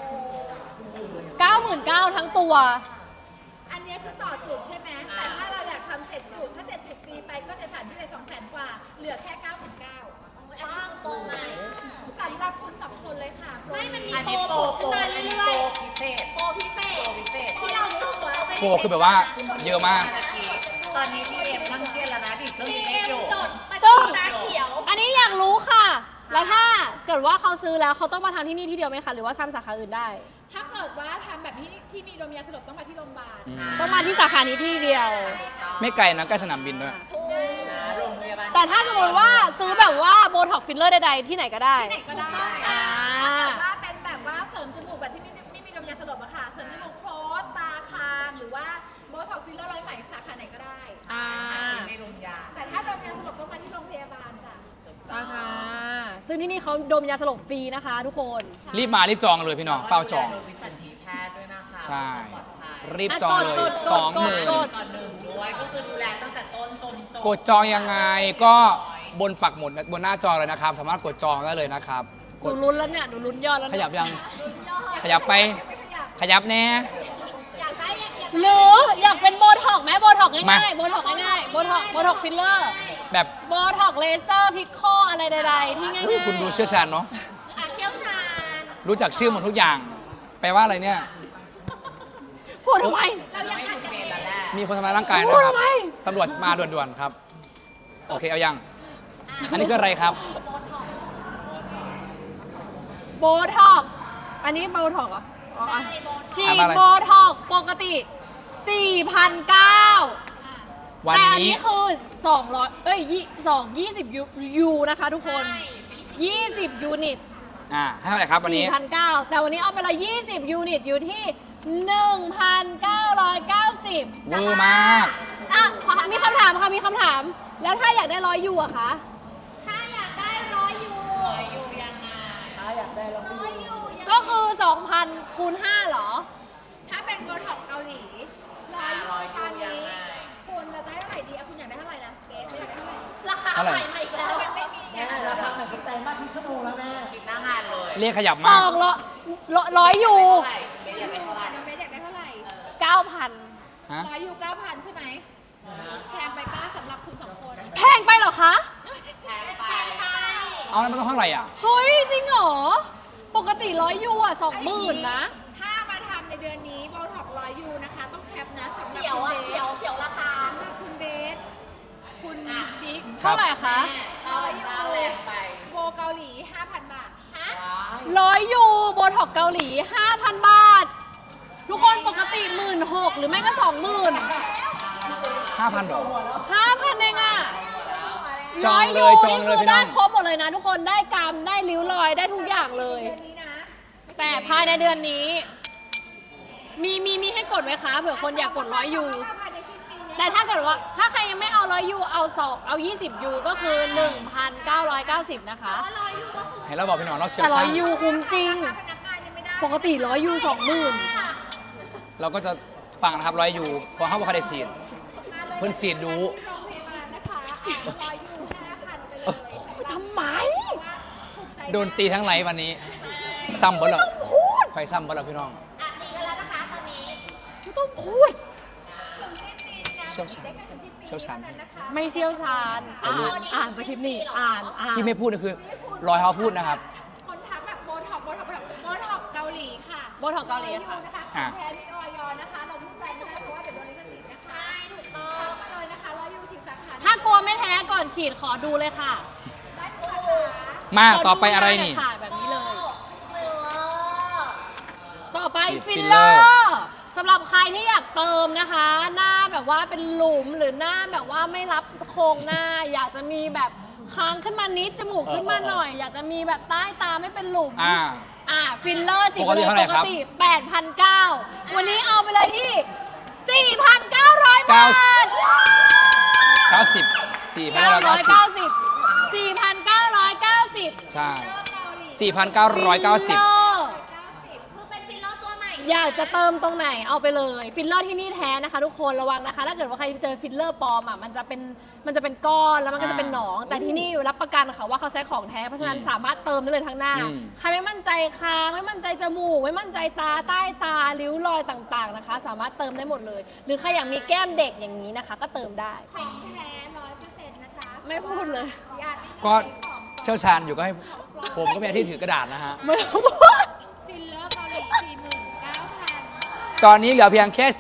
Speaker 4: 99,000 ทั้งตัว
Speaker 7: อันนี้คือต่อจุดใช่ไหมแต่ถ้าเราอยากทำ7 จุด ถ้า7 จุดตีไปก็จะฐานที่เลย200,000 กว่า เหลือแค่ 99,000
Speaker 3: บ้างโปรใหม่
Speaker 7: สำหรับคุณ2 คนเลยค่ะ
Speaker 3: ไม่มันมีโปรขึ้นมาเรื่อยๆโปรพิเศษที่เรารู้สึกว่าเป็น
Speaker 2: โปรคือแบบว่าเยอะมาก
Speaker 5: ตอนนี้พี่เอ็มนั่งเครียดแล้วนะดิเครื่องนี้อยู่
Speaker 3: จด
Speaker 4: ซึ่ง
Speaker 3: ตาเขียว
Speaker 4: อันนี้อยากรู้ค่ะ แล้วถ้าเกิดว่าเขาซื้อแล้วเขาต้องมาทำที่นี่ที่เดียวไหมคะ หรือว่าทำสาขาอื่นได้
Speaker 7: ถ้าเกิดว่าทำแบบที่มีดมยาสลบต้องมาที่โรงพยาบาล
Speaker 4: ต้องมาที่สาขานี้ที่เดียว
Speaker 2: ไม่ไกลนะใกล้สนามบินด้วย
Speaker 5: โรงพยาบาล
Speaker 4: แต่ถ้าสมมติว่าซื้อแบบว่าโบท็อกฟิลเลอร์ใดๆที่ไหนก็ได้
Speaker 7: ที่ไหนก็ได้
Speaker 4: อ่า
Speaker 7: แต่ว่าเป็นแบบว่าเสริมจมูกแบบที่ไม่มีดมยาสลบอะค่ะ เสริมจมูกโคสตาคางหรือว่าโบท็อกฟิลเลอร์ร้อยไหมสาขาไหนก็ได้
Speaker 4: อ่า
Speaker 5: ไม่ลงยา
Speaker 7: แต่ถ้าดมยาสลบต้องมาที่โรงพยาบาลจ้ะ
Speaker 4: นะคะซึ่งที่นี่เขาดมยาสลบฟรีนะคะทุกคน
Speaker 2: รีบมารีบจองเลยพี่น้องเฝ้าจอง
Speaker 5: โดยวิสัญญีแพทย์ด้วยนะคะ
Speaker 2: ใช่
Speaker 5: ปลอดภัย
Speaker 2: รีบจองเลย
Speaker 4: กด
Speaker 2: 20,000
Speaker 5: ก่อนหนึ่งด้วยก็คือดูแลตั้งแต่ต้นจนจบ
Speaker 2: กดจองยังไงก็บนปักหมุดบนหน้าจอเลยนะครับ สามารถกดจองได้เลยนะครับ
Speaker 4: ห
Speaker 2: ก
Speaker 4: นู
Speaker 2: ด
Speaker 4: ลุ้นแล้วเนี่ย หนูลุ้นยอดแล้ว
Speaker 2: ข
Speaker 4: เนี่ย
Speaker 2: ยับยัง ขยับไป ขยับแน่
Speaker 3: อยากได้อยาก
Speaker 4: หรืออยากเป็นโบท็อกไหมโบท็อก
Speaker 2: มา
Speaker 4: ง่ายๆโบท็อกง่ายๆโบท็อกฟิลเลอร์
Speaker 2: แบบ
Speaker 4: โบท็อกเลเซอร์พิคโคอะไรใดๆที่ง่ายๆ
Speaker 2: คุณดูเชี่ยวชาญเนาะ
Speaker 3: เชี่ยวชาญ
Speaker 2: รู้จักชื่อหมดทุกอย่าง แปลว่าอะไรเนี่ย
Speaker 4: พูดทำไม
Speaker 5: เราไม่หยุดเมนแล้วแหละ
Speaker 2: มีคนทำร้ายร่างกายนะ
Speaker 4: พูด
Speaker 2: ครับ
Speaker 4: ทำไม
Speaker 2: ตำรวจมาด่วนๆครับ โอเคเอายัง อันนี้คืออะไรครับ
Speaker 4: โบท็อกอันนี้โบท็อกเหรออ๋ออ่ะฉีด
Speaker 2: อ่านว่าอะไร
Speaker 4: โบท็อกปกติ 4,900
Speaker 2: วัน
Speaker 4: แต่อัน
Speaker 2: นี้
Speaker 4: นี้คือ20020 ยูนะคะทุกคน 20 ยูนิต
Speaker 2: ให้เท่าไหร่ครับวันนี้
Speaker 4: 4,900 แต่วันนี้เอาไปเลย20 ยูนิตอยู่ที่ 1,990
Speaker 2: เวอร์มาก
Speaker 4: อ่ะมีคำถามค่ะ มีคำถาม แล้วถ้าอยากได้100 ยูอะคะ
Speaker 3: ถ้าอยากได้100 ยู
Speaker 5: อยู่ยังไง
Speaker 6: อยากได้ลองไปดู
Speaker 4: ก็คือ 2,000 คูณ 5เหรอ
Speaker 7: ถ้าเป็นโบท็อกเกาหลีร้อยยูตอนนี้คุณเราจะให้เท่าไหร่ดีคุณอยากได้เท่าไหร่ล่ะเกสอยากได้เท่าไหร่
Speaker 3: ราคาใหม่อีกแล้ว
Speaker 7: ไม่มีอ
Speaker 6: แม่
Speaker 7: ย่างนั้น
Speaker 6: ราคาเหมือนกับแต่งมาทุกชั่วโมงแล้วแม่
Speaker 1: คิดหน้างานเลย
Speaker 2: เรียกขยับ
Speaker 4: ส
Speaker 2: มาก
Speaker 4: องร้อยยู
Speaker 1: เบสอยากได้เท่าไหร่
Speaker 7: น้องเบสอยากได้เท่าไหร่
Speaker 4: 9,000
Speaker 2: ฮะ
Speaker 7: ร้อยยู9,000ใช่ไหมแพงไปป้าสำหรับคุณสองคน
Speaker 4: แพงไปเหรอคะ
Speaker 1: แพงไป
Speaker 2: เอาแล้วมันต้องเท่าไหร่อ่ะ
Speaker 4: เฮ้ย จริงเหรอ ปกติ100 ยูอ่ะ 20,000 นะ
Speaker 7: ถ้ามาทำในเดือนนี้โบท็อกร้อยยูนะคะ ต้องแคปนะสำหรับ
Speaker 3: เสียว
Speaker 7: คุณ
Speaker 3: อ่ะ
Speaker 7: เบ
Speaker 3: เสียว
Speaker 7: ส
Speaker 3: เสียวราคา
Speaker 7: สำหรับคุณเบสคุณบิ๊ก
Speaker 2: ครับ
Speaker 4: เท่าไหร่คะ
Speaker 1: เอาไปเก้าแรงไป
Speaker 7: โบเกาหลี 5,000 บาท
Speaker 4: 100 ยูโบท็อกเกาหลี 5,000 บาท ทุกคนปกติ 16,000 หรือไม่ก็ 20,000
Speaker 2: 5,000ดอก
Speaker 4: 5,000เองอ่ะ
Speaker 2: จองเลย
Speaker 4: 100
Speaker 2: จองเลย
Speaker 4: นี่คือ
Speaker 2: พี่น้
Speaker 4: ได้
Speaker 2: อง
Speaker 4: ครบหมดเลยนะ ทุกคนได้กรรมได้ริ้วรอยได้ทุกอย่างเลย
Speaker 7: เดือนนี้นะ
Speaker 4: แต่ภายในเดือนนี้ มีให้กดไหมคะเผื่อคนอยากกด100 ยู
Speaker 7: ภายในสิ้นปีนี้
Speaker 4: แต่ถ้าเกิดว่าถ้าใครยังไม่เอา100 ยูเอา20 ยูก็คือ 1,990 นะคะ
Speaker 7: ร้อยยูก็คุ้ม
Speaker 2: ให้เราบอกพี่น้องเราเชี่ยว
Speaker 4: แต่
Speaker 2: ชาญ
Speaker 4: 100 ยูคุ้มจริง
Speaker 7: พนักงานยังไม่ได้
Speaker 4: ปกติ100 ยู 20,000
Speaker 2: เราก็จะฟังนะครับ100 ยูเพราะเขาบอกเขาได้สีด เพิ่นสีดดู
Speaker 7: โรงพยาบาลนะคะร้อยยู5,000ไปเลย
Speaker 4: ทำไม
Speaker 7: ถูกใจ
Speaker 2: โดนตีทั้งไลฟ์วันนี้ ซ้ำบ่เหรอไฟซ้ำบ่เหรอพี่น้อง
Speaker 3: อ่ะตีกันแล้วนะคะตอนนี้
Speaker 4: ไม่ต้องพูด
Speaker 2: เชี่ยวชาญเชี่ยวชาญ
Speaker 4: ไม่เชี่ยวชาญ อ่านสคริปต์นี่อ่าน
Speaker 2: ที่ไม่พูดนี่คือรอยเขาพูดนะครับ
Speaker 7: คนทักแบบโบท็อกเกาหลีค่ะ
Speaker 4: โบท็อกเกาหลีค่ะ
Speaker 7: นะคะของแท้มีออยนะคะ เราพูดไปไม่ได้เพราะว่าเดี๋ยวโดนลิขสิทธิ์นะคะ
Speaker 3: ใช่ถูกต้อง
Speaker 7: มาเลยนะคะร้อยยูฉีดสาขา
Speaker 4: ถ้ากลัวไม่แท้ก่อนฉีดขอดูเลยค่ะ
Speaker 7: ได้ทุกสาขา
Speaker 2: มาต่อไปอะไรนี่
Speaker 4: ขดูด้เลยค่ะแบบนี้เลย
Speaker 3: เออ
Speaker 4: ต่อไป
Speaker 2: ฉีด
Speaker 4: ฟิล
Speaker 2: ฟิล
Speaker 4: เล
Speaker 2: เล
Speaker 4: อ
Speaker 2: อร์
Speaker 4: ร์สำหรับใครที่อยากเติมนะคะ หน้าแบบว่าเป็นหลุมหรือหน้าแบบว่าไม่รับโครงหน้า อยากจะมีแบบค้างขึ้นมานิดจมูกขึ้นมาหน่อย อยากจะมีแบบใต้ตาไม่เป็นหลุม ฟิลเลอร์สิ
Speaker 2: ปกติเท่าไหร่ครับ
Speaker 4: ปกติ 8,900 วันนี้เอาไปเลยที่ 4,900 บาท
Speaker 2: 90 4,990
Speaker 4: 4,990
Speaker 2: ใช่
Speaker 4: ฟิล
Speaker 2: 4,990
Speaker 4: เลอร์
Speaker 3: คือเป็นฟิลเลอร์ตัวใหม่
Speaker 4: อยากจะเติมตรงไหนเอาไปเลยฟิลเลอร์ที่นี่แท้นะคะทุกคนระวังนะคะ ถ้าเกิดว่าใครเจอฟิลเลอร์ปลอมอ่ะมันจะเป็นก้อนแล้วมันก็จะเป็นหนอง แต่ที่นี่รับประกันค่ะว่าเขาใช้ของแท้เพราะฉะนั้นสามารถเติมได้เลยทั้งหน้า ใครไม่มั่นใจคางไม่มั่นใจจมูกไม่มั่นใจตาใต้ตาริ้วรอยต่างๆนะคะ สามารถเติมได้หมดเลย หรือใครอยากมีแก้มเด็กอย่างนี้นะคะ ก็เติมได้
Speaker 7: ของแท้100%นะจ๊ะ
Speaker 4: ไม่พูดเลย
Speaker 7: ญาติ
Speaker 2: ก็เชี่ยวชาญอยู่ก็ให้ผมก็เป็นอาที่ถือกระดาษนะฮะ
Speaker 4: ไม่พูด
Speaker 7: ฟิลเลอร์เกาหลี49,000
Speaker 2: ตอนนี้เหลือเพียงแค่ 4,000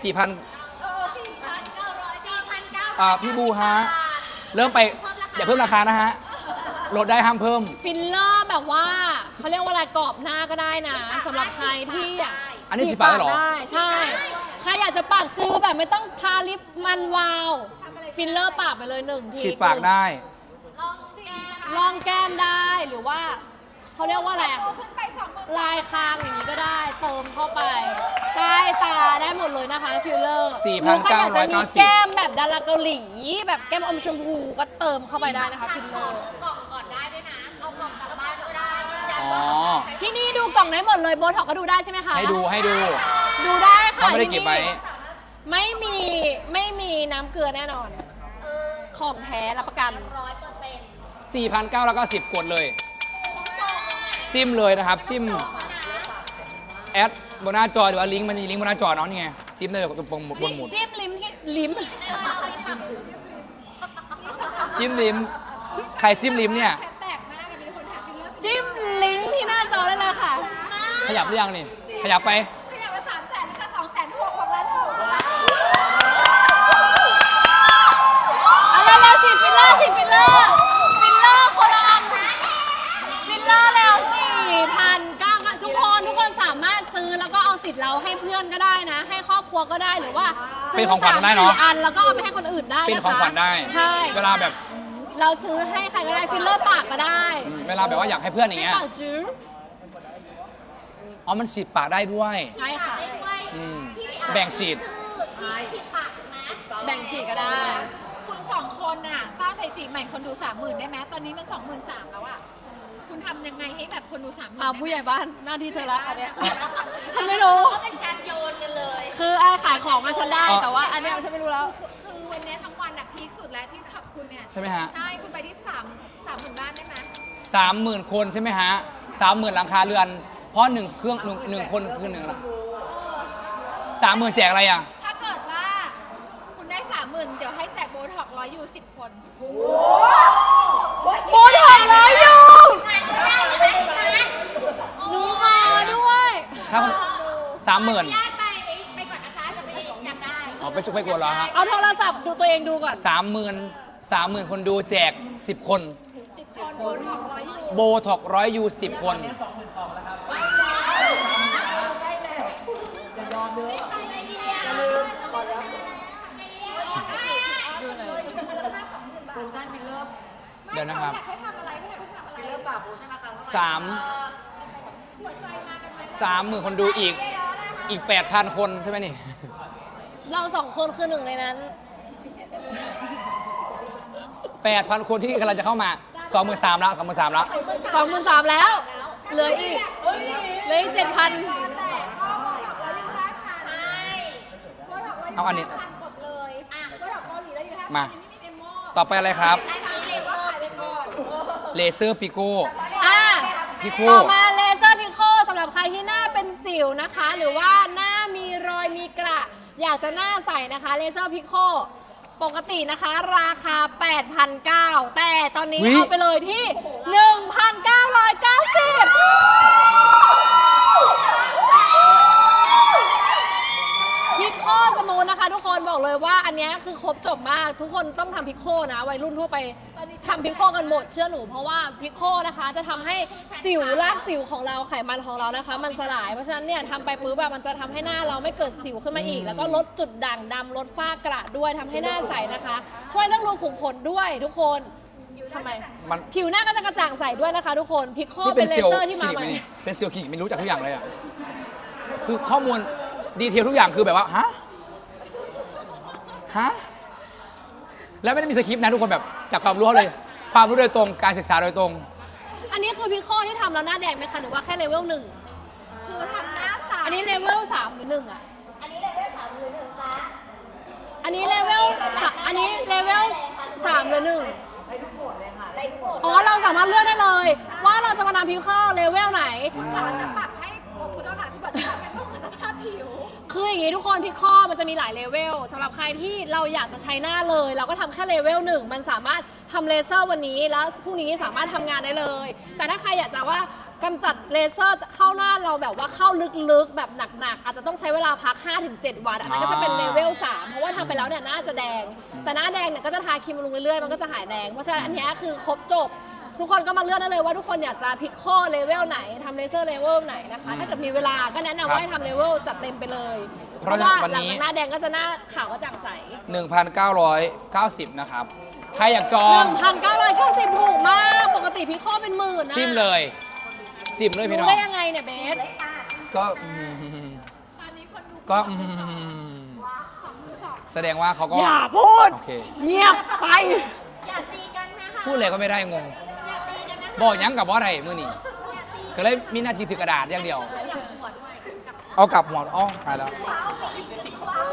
Speaker 3: 4,900
Speaker 2: พี่บูฮะ เริ่มไปอย่าเพิ่มราคานะฮะ ลดได้ห้ามเพิ่ม
Speaker 4: ฟิลเลอร์แบบว่าเขาเรียกว่าอะไรกรอบหน้าก็ได้นะสำหรับใครที่อยาก
Speaker 2: อันนี้ฉีดปากได้เหรอ
Speaker 4: ได้ใช่ ใครอยากจะปากจือแบบไม่ต้องทาลิปมันวาว ฟิลเลอร์ปากไปเลย1 ที
Speaker 2: ฉีดปากได้
Speaker 4: ลองแก้มได้หรือว่าเขาเรียกว่าอะไร
Speaker 7: โตขึ้นไป20,000
Speaker 4: ลายคางอย่างนี้ก็ได้เติมเข้าไปใต้ตาได้หมดเลยนะคะฟิลเลอร์
Speaker 2: 4,990
Speaker 4: หรือใครอยากจะมีแก้มแบบดาราเกาหลีแบบแก้มอมชมพูก็เติมเข้าไปได้นะคะฟิลเลอร์
Speaker 3: กล่องก่อนได้ด้วยนะ เอากล่องกลับบ้านก็ได้ยืนยัน
Speaker 2: อ๋อ
Speaker 3: ว่า
Speaker 4: ที่นี่ดูกล่องได้หมดเลยโบท็อกก็ดูได้ใช่ไหมคะ
Speaker 2: ให้ดู
Speaker 4: ดูได้ค่ะ
Speaker 2: เขาไม่ได้เก็บไว้
Speaker 4: ที่นี่ไม่มีน้ำเกลือแน่นอน ของแท้รับประกัน
Speaker 2: 4,990 กดเลย จิ้มเลยนะครับ จิ้มแอดบนหน้าจอหรือว่าลิงก์มันมีลิงก์บนหน้าจอเนาะนี่ไง จิ้มได้เลยตรงบนหมุด
Speaker 4: จิ้มลิ้มที่ลิ้ม
Speaker 2: จิ้มลิ้มใครจิ้มลิ้มเนี่ย
Speaker 7: แชทแตกมากมีคนถามฟิลเลอร์
Speaker 4: จิ้มลิงก์ที่หน้าจอได้เลยค่ะ
Speaker 2: ขยับหรือยังนี่ ขยับไป
Speaker 7: ขยับมา300,000แล้วก็260,000ของร้านถูก
Speaker 4: เอาแล้วฉีดฟิลเลอร์ฟิลเลอร์คนละอันฟิลเลอร์แล้ว4,900ทุกคนสามารถซื้อแล้วก็เอาสิทธิ์เราให้เพื่อนก็ได้นะ ให้ครอบครัวก็ได้หรือว่า
Speaker 2: เป็นของขวัญได้เนอะ
Speaker 4: 3-4 อันแล้วก็เอาไปให้คนอื่นได้นะคะ
Speaker 2: เป็นของขวัญได้
Speaker 4: ใช่
Speaker 2: เวลาแบบ
Speaker 4: เราซื้อให้ใครก็ได้ฟิลเลอร์ปากก็ได้
Speaker 2: เวลาแบบว่าอยากให้เพื่อนอย่าง
Speaker 4: ให้
Speaker 2: เงี้ย
Speaker 4: ปากจื้อ
Speaker 2: อ๋อ มันฉีดปากได้ด้วย
Speaker 4: ใช่ค่ะ
Speaker 2: อืมแบ่งฉีด
Speaker 3: ฉีดปากถูกไหม
Speaker 4: แบ่งฉีดก็ได้
Speaker 7: คุณ2 คนน่ะสร้างสถิติใหม่คนดู 30,000ได้ไหมตอนนี้มัน 23,000แล้วอ่ะ
Speaker 3: คุณทำยังไงให้แบบคนดู30,000
Speaker 4: ผู้ใหญ่บ้านหน้าที่เธอละอันเนี้ย ฉันไม่รู้
Speaker 3: ก็เป็นการโยนกันเลย
Speaker 4: คือขายของมาฉันได้แต่ว่าอันเนี้ยฉันไม่รู้แล้ว
Speaker 3: คือวันนี้ทั้งวันอะพีคสุดแล้วที่ช็อปคุณเนี่ย
Speaker 2: ใช่ไหมฮะ
Speaker 3: ใช่คุณไปที่30,000 บ้านได้ไหม
Speaker 2: 30,000 คนใช่ไหมฮะ 30,000 หลังคาเรือน เพราะ1เครื่องหนึ่งคนคือ1ละ30,000 แจกอะไรอ่ะ
Speaker 3: ถ้าเกิดว่าคุณได้ 30,000 เดี๋ยวให้แจกโบท็อก100อยู่10 คน
Speaker 4: โบท็อกร้อยอยู่หนูมาด้วย
Speaker 2: ถ้า30,000
Speaker 3: ญาติไปก่อนนะคะ จะไปอยากได้
Speaker 2: อ๋อไปจุกไปกวนเหรอฮะ
Speaker 4: เอาโทรศัพท์ดูตัวเองดูก่อน
Speaker 2: 30,000 คนดูแจก 10 คน
Speaker 3: 10 คนโบท็อก100อยู่
Speaker 2: โบท็อก100ยู10 คน
Speaker 6: เนี่ย22,000แล้วครับอย่ายอมเยอะอย่าลืมก่อนแล้วโปรโมชั่นฟิลเลอร์
Speaker 2: เดี๋ยวนะครับ
Speaker 3: อยากให้ทำอะไรให้คุณทำอะไร
Speaker 6: ฟิลเลอร์ปากโปรโมชั่นราคาเท่าไหร่
Speaker 2: 30,000 คนดูอีก 8,000 คนใช่ไหมนี่
Speaker 4: เราสองคนคือหนึ่งในนั้น
Speaker 2: 8,000 คนที่กำลังจะเข้ามา 23,000แล้ว23,000แล้ว
Speaker 4: 23,000แล้ว เหลืออีก 7,000
Speaker 3: แจกก็โบท็อก100อยู่5,000 โบท็อก100อยู่
Speaker 2: เอาอันนี้
Speaker 3: 5,000กดเลยโบท็อกเกาหลีแล้วอยู่5,000
Speaker 2: มา
Speaker 3: อันนี้มีเมมโม
Speaker 2: ต่อไปอะไรครับ
Speaker 3: ได้ทั้งเลเวอร์ไปก่อน
Speaker 2: เลเซอร์ปิโก้
Speaker 4: อ่ะ
Speaker 2: พี่คู่
Speaker 4: ต่อมาเลเซอร์พิโคสำหรับใครที่หน้าเป็นสิวนะคะ หรือว่าหน้ามีรอยมีกระอยากจะหน้าใสนะคะเลเซอร์พิโคปกตินะคะ ราคา 8,900 แต่ตอนนี้
Speaker 2: อุ๊ย
Speaker 4: เอาไปเลยที่ 1,990 พิโคสมูทนะคะทุกคนบอกเลยว่าอันเนี้ยคือครบจบมากทุกคนต้องทำพิโคนะวัยรุ่นทั่วไปทำพิโคกันหมดเชื่อหนูเพราะว่าพิโคนะคะจะทำให้สิวรากสิวของเราไขมันของเรานะคะ มันสลายเพราะฉะนั้นเนี่ยทำไปปุ๊บแบบมันจะทำให้หน้าเราไม่เกิดสิวขึ้นมาอีก แล้วก็ลดจุดด่างดำลดฝ้ากระด้วยทำให้หน้าใสนะคะ ช่วยเรื่องรูขุมขนด้วยทุกคนทำไม
Speaker 2: มัน
Speaker 4: ผิวหน้าก็จะกระจ่างใสด้วยนะคะทุกคนพิโค
Speaker 2: นี่
Speaker 4: เป็
Speaker 2: เป็น น
Speaker 4: เล
Speaker 2: เซลล์
Speaker 4: เซอร์ที่
Speaker 2: คลิ
Speaker 4: มา
Speaker 2: นิก
Speaker 4: ให
Speaker 2: ไหม
Speaker 4: ม่
Speaker 2: นี่เป็นเซลล์คลินิกไม่รู้จักทุกอย่างเลยอ่ะ คือข้อมูลดีเทลทุกอย่างคือแบบว่า ฮะ ฮะ แล้วไม่ได้มีสคริปต์นะทุกคนแบบจากความรู้เขาเลย ความรู้โดยตรง การศึกษาโดยตรง
Speaker 4: อันนี้คือพิโคที่ทำแล้วหน้าแดงไหมคะหรือว่าแค่เลเวล 1
Speaker 3: คือทำหน้าใส
Speaker 4: อันนี้เลเวล3หรือ1อ่ะ อันนี้เลเวล3หรือ1คะอันนี้เลเวล3หรือ1อ๋อเราสามารถเลือกได้เลย ว่าเราจะมาทำพิโคเลเวลไหน
Speaker 3: เราจะปรับให้คุณต้องหาที่แบบที่เป็นต้องคุณภาพผิว
Speaker 4: คืออย่างนี้ทุกคนพิโคมันจะมีหลายเลเวลสำหรับใครที่เราอยากจะใช้หน้าเลย เราก็ทำแค่เลเวล1มันสามารถทำเลเซอร์วันนี้แล้วพรุ่งนี้สามารถทำงานได้เลย แต่ถ้าใครอยากจะว่ากำจัดเลเซอร์เข้าหน้าเราแบบว่าเข้าลึกๆแบบหนักๆอาจจะต้องใช้เวลาพัก 5-7 วันอันนั้นก็จะเป็นเลเวล3เพราะว่าทำไปแล้วเนี่ยหน้าจะแดง แต่หน้าแดงเนี่ยก็จะทาครีมบำรุงเรื่อยๆมันก็จะหายแดงเพราะฉะนั้นอันเนี้ยคือครบจบ ทุกคนก็มาเลือกได้เลยว่าทุกคนอยากจะพิกโคเลเวลไหนทำเลเซอร์เลเวลไหนนะคะ ถ้าเกิดมีเวลาก็แนะนำว่าให้ทำเลเวลจัดเต็มไปเลย
Speaker 2: เพราะ
Speaker 4: ว่า
Speaker 2: วัน
Speaker 4: หลัง
Speaker 2: นี้
Speaker 4: จากหน้าแดงก็จะหน้าขาวก็จ่างใส
Speaker 2: 1,990 นะครับ ใครอยากจอง
Speaker 4: 1,990ถูกมากปกติพิกโคเป็นหมื่นนะ
Speaker 2: จิ้มเลย จิ้มเลยพี่น้
Speaker 4: รู้
Speaker 2: อง
Speaker 4: ได้ยังไงเนี่ยเบส
Speaker 2: ก็ก็แสดงว่าเขาก็
Speaker 4: อย่าพูด
Speaker 2: โอเค
Speaker 4: เงียบไป
Speaker 3: อย่าตีกันนะคะ
Speaker 2: พูดเลยก็ไม่ได้งง
Speaker 3: อย่าตีกันนะคะ
Speaker 2: บอกหยังกับว่าอะไรมือนี่ก็เลยมีหน้าที่ถือกระดาษอย่างเดียว
Speaker 3: อย่าหัวด้วย
Speaker 2: เอากลับหัวอ๋อไปแล้ว
Speaker 3: เ